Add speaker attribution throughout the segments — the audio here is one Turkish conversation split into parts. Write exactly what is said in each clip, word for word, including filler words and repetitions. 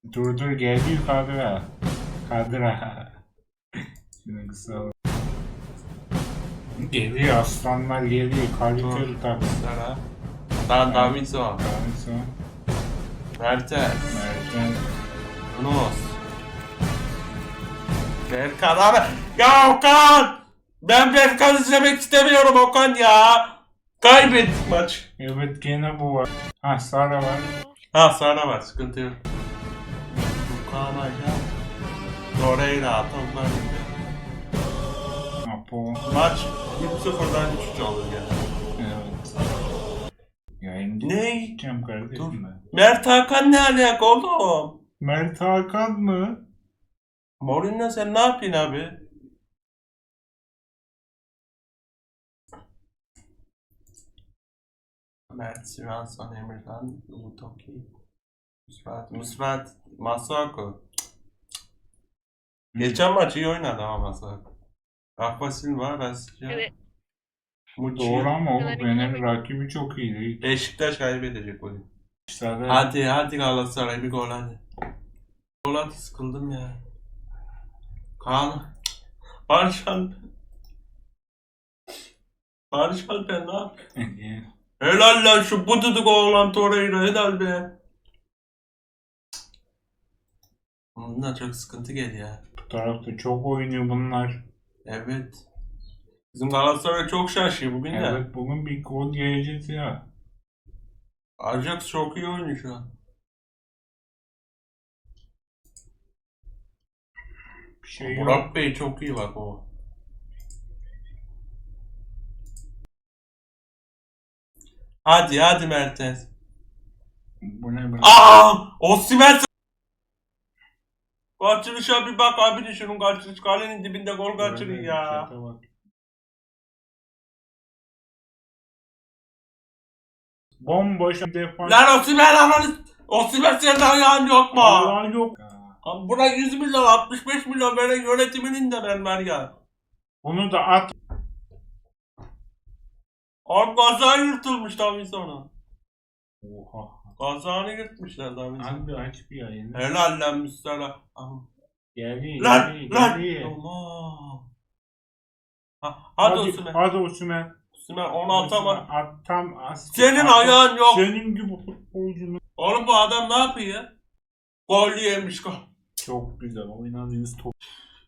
Speaker 1: Dur dur geliyor kadra. Kadra. Şunu kısa al. Geliyor aslanlar geliyor. Kaliteli tabii.
Speaker 2: Sana. Ben Davinson.
Speaker 1: Davinson.
Speaker 2: Mertens.
Speaker 1: Mertens.
Speaker 2: Yunus. Berkan abi. Ya Okan! Ben Berkan izlemek istemiyorum Okan ya. Kaybettik maç.
Speaker 1: Evet gene bu var. Ha Sara var.
Speaker 2: Ha sana var sıkıntı yok. Okan Ayhan. Torreira toplar gibi.
Speaker 1: Apo.
Speaker 2: Maç bir sıfırdan üç üç olur gene.
Speaker 1: Evet. Yayıncı
Speaker 2: Ne?
Speaker 1: gideceğim kardeşim
Speaker 2: Dur.
Speaker 1: ben.
Speaker 2: Mert Hakan ne alaka oğlum?
Speaker 1: Mert Hakan mı?
Speaker 2: Mourinho sen ne yapıyorsun abi? Mert, Svensson, Emirhan, Utoki, Musrat, Musrat, Masuaku. Geçen maç iyi oynadı ama Masuaku. Rafa Silva, Rasya,
Speaker 3: Evet.
Speaker 2: Muçi.
Speaker 1: Doğru ama o
Speaker 3: Fener'in
Speaker 1: benim
Speaker 3: kimi?
Speaker 1: rakibi çok iyiydi.
Speaker 2: Beşiktaş kaybedecek oyun.
Speaker 1: Sara.
Speaker 2: Hadi hadi Galatasaray bir gol hadi. Gol hadi sıkıldım ya. Kaan. Barış Alper. Barış Alper ne yapıyor? Helal lan şu bududuk oğlan Torreira helal be. Bundan çok sıkıntı geliyor.
Speaker 1: Bu tarafta çok oynuyor bunlar.
Speaker 2: Evet. Bizim Galatasaray çok şaşıyor bugün de.
Speaker 1: Evet bugün bir gol geleceğiz ya.
Speaker 2: Ajax çok iyi oynuyor şu an.
Speaker 1: Bir şey yok.
Speaker 2: Burak Bey çok iyi bak o. Hadi hadi Mertens.
Speaker 1: Bu ne böyle?
Speaker 2: Aa! Osimhen kaçırışa bir bak abi şunun kaçırış kalenin dibinde gol kaçırıyor ya.
Speaker 1: Çete bak. Bomboş defans.
Speaker 2: Lan Osimhen ananı Osimhen senin ayağın yok mu?
Speaker 1: Allah yok.
Speaker 2: Abi buna yüz milyon altmış beş milyon veren yönetiminin de ben var ya.
Speaker 1: Bunu da at.
Speaker 2: Abi kaza yırtılmış Davinson'a.
Speaker 1: Oha.
Speaker 2: Kazağını yırtmışlar Davinson'a.
Speaker 1: Abi aç bir yayını.
Speaker 2: Helal lan Müslüman.
Speaker 1: Geliyor.
Speaker 2: Lan
Speaker 1: geliyor,
Speaker 2: lan.
Speaker 1: geliyor.
Speaker 2: Tamam. Ha, hadi
Speaker 1: Hadi,
Speaker 2: Osimhen.
Speaker 1: hadi Osimhen.
Speaker 2: Osimhen onu atamadı.
Speaker 1: At tam as.
Speaker 2: Senin
Speaker 1: at-
Speaker 2: ayağın yok.
Speaker 1: Senin gibi futbolcunun.
Speaker 2: Oğlum bu adam ne yapıyor? Gol yemiş gol.
Speaker 1: Çok güzel oynadığınız top.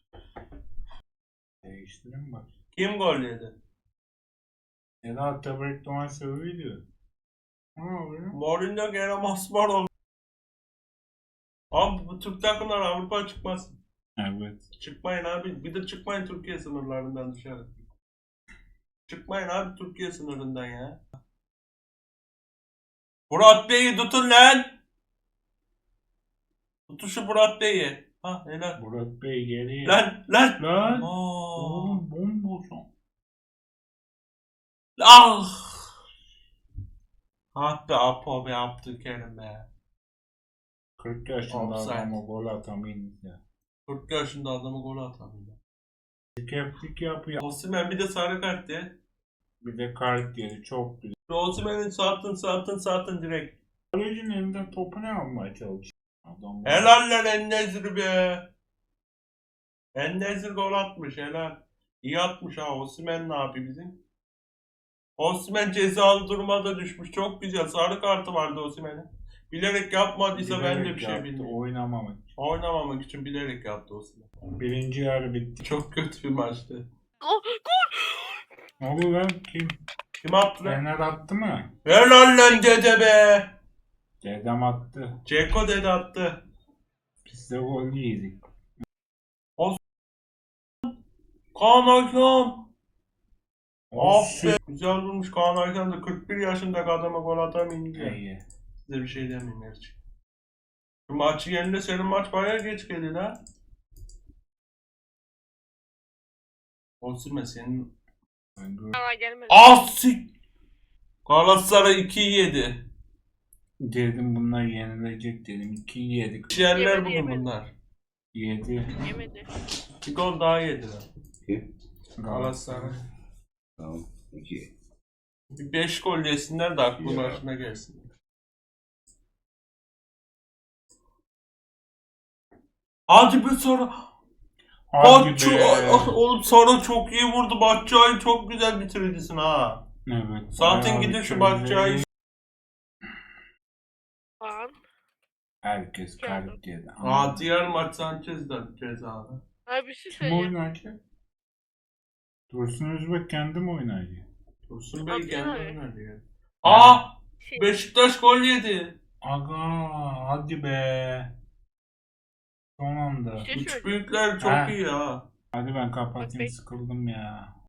Speaker 1: Değiştirin bak.
Speaker 2: Kim gol yedi?
Speaker 1: Ela Tebrik Doğan seviyordu. Ne oluyor?
Speaker 2: Mourinho gene masmar oldu. Abi bu Türk takımlar Avrupa çıkmaz.
Speaker 1: Evet.
Speaker 2: Çıkmayın abi. Bir de çıkmayın Türkiye sınırlarından dışarı. Çıkmayın abi Türkiye sınırından ya. Murat Bey'i tutun lan. Tutun şu Murat Bey'i. Ha helal.
Speaker 1: Murat Bey geliyor.
Speaker 2: Lan lan.
Speaker 1: Lan.
Speaker 2: Aa.
Speaker 1: Oğlum bomboş.
Speaker 2: Ah. Ah be Apo be Abdülkerim be.
Speaker 1: kırk yaşında
Speaker 2: Offside.
Speaker 1: adama gol atamayınız ya.
Speaker 2: kırk yaşında adamı gol atamıyor.
Speaker 1: Keplik yapıyor.
Speaker 2: Osimhen bir de sarı kart diye.
Speaker 1: Bir de kart yedi. Çok güzel.
Speaker 2: Osimhen'in satın satın satın direkt.
Speaker 1: Kalecinin elinden topu ne almaya çalışıyor? Adam
Speaker 2: Helal lan En-Nesyri be. En-Nesyri gol atmış helal. İyi atmış ha. Osimhen ne yapıyor bizim? Osimhen cezalı duruma düşmüş. Çok güzel. Sarı kartı vardı Osimhen'in. Bilerek yapmadıysa ben de
Speaker 1: bilerek
Speaker 2: bir şey
Speaker 1: yaptı,
Speaker 2: bilmiyorum.
Speaker 1: Oynamamak için.
Speaker 2: Oynamamak için bilerek yaptı Osimhen.
Speaker 1: Birinci yarı bitti.
Speaker 2: Çok kötü bir maçtı.
Speaker 3: Oh,
Speaker 1: Ne oldu lan? Kim?
Speaker 2: Kim attı lan?
Speaker 1: Fener attı mı?
Speaker 2: Helal lan dede be.
Speaker 1: Dedem attı.
Speaker 2: Ceko dede attı.
Speaker 1: Biz de gol yedik.
Speaker 2: Kaan Aykan.
Speaker 1: Of.
Speaker 2: Aferin. Güzel vurmuş Kaan Aykan da kırk bir yaşındaki adama gol atamayınca.
Speaker 1: İyi.
Speaker 2: Size bir şey demeyeyim gerçi. Şu maçı yerinde senin maç bayağı geç geldi lan. Osimhen senin...
Speaker 3: Hala gelmedi.
Speaker 2: Asik! Galatasaray ikiyi yedi.
Speaker 1: Dedim bunlar yenilecek dedim. iki yedik.
Speaker 2: Yerler
Speaker 3: Yemedi,
Speaker 2: bugün
Speaker 3: yemedi.
Speaker 2: bunlar.
Speaker 1: yedi.
Speaker 3: Yemedi.
Speaker 2: Bir gol daha yediler.
Speaker 4: Kim?
Speaker 2: Galatasaray.
Speaker 4: Tamam. İki.
Speaker 2: Bir beş gol yesinler de aklı
Speaker 4: Ya.
Speaker 2: başına gelsin. Hadi be Sara.
Speaker 1: Hadi
Speaker 2: Batçı,
Speaker 1: be.
Speaker 2: oğlum Sara çok iyi vurdu. Batçayı çok güzel bitiricisin ha.
Speaker 1: Evet.
Speaker 2: Zaten
Speaker 1: bayağı
Speaker 2: gidin şu
Speaker 1: bitirici.
Speaker 2: Batçayı.
Speaker 3: Puan.
Speaker 1: Herkes kalp yedi.
Speaker 2: Aa diğer maç Sanchez'den cezalı.
Speaker 3: Abi bir şey
Speaker 1: Kim
Speaker 3: söyleyeyim.
Speaker 1: oynayacak? Dursun Özbek kendi mi oynayacak?
Speaker 2: Dursun Bey
Speaker 3: Abi,
Speaker 2: kendi
Speaker 3: abi.
Speaker 2: oynadı ya. Aa!
Speaker 3: Şey,
Speaker 2: Beşiktaş gol yedi.
Speaker 1: Aga hadi be. Son anda.
Speaker 3: Bir şey
Speaker 2: Üç
Speaker 3: söyleyeyim.
Speaker 2: büyükler çok
Speaker 1: Ha.
Speaker 2: iyi ha.
Speaker 1: Hadi ben kapatayım,
Speaker 3: Bak,
Speaker 1: sıkıldım ya.